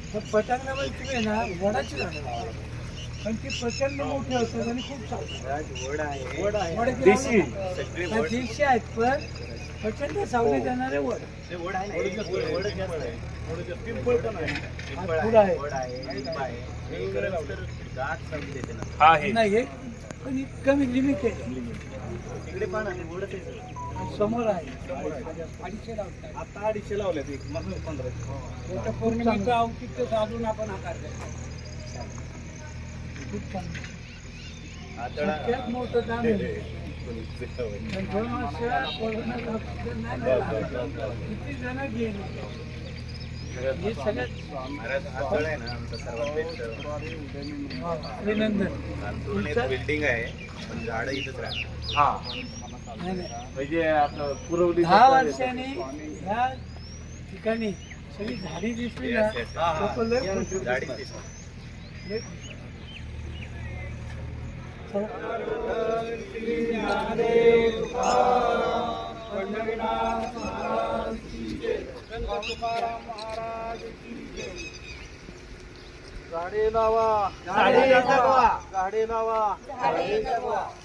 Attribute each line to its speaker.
Speaker 1: तर पटांगणामध्ये तुम्ही आहे ना वडाची झाडं लावा. पण ती प्रचंड मोठी असतात आणि खूप चालतात. वड
Speaker 2: देशी
Speaker 1: देशी आहेत पण प्रचंड सावली देणारे वड. फुल आहे
Speaker 2: हा आहे.
Speaker 1: नाही हे पण कमी लिमिटेड समोर आहे 250 लावतात.
Speaker 2: आता 250 लावल्यात एक मग 15.
Speaker 1: पौर्णिमेचं औचित्य साधून आपण आकार द्यायचा. खूप चांगलं सगळ्यात मोठं काम आहे. पण 2 वर्ष कोरोनाचं औषध नाही मिळालं. किती जण गेले हे सगळ्यात अभिनंदन.
Speaker 3: बिल्डिंग आहे पण झाडं इथंच राहतात.
Speaker 2: हा
Speaker 1: नाही, नाही.
Speaker 2: म्हणजे आपलं पुरवली
Speaker 1: 10 वर्षांनी ह्या ठिकाणी सगळी झाडी दिसली ना लोकं लय खुश होतात.
Speaker 3: झाडी दिसतात.
Speaker 1: लय खुश.
Speaker 2: झाडे लावा, झाडे जगवा, झाडे लावा, झाडे जगवा.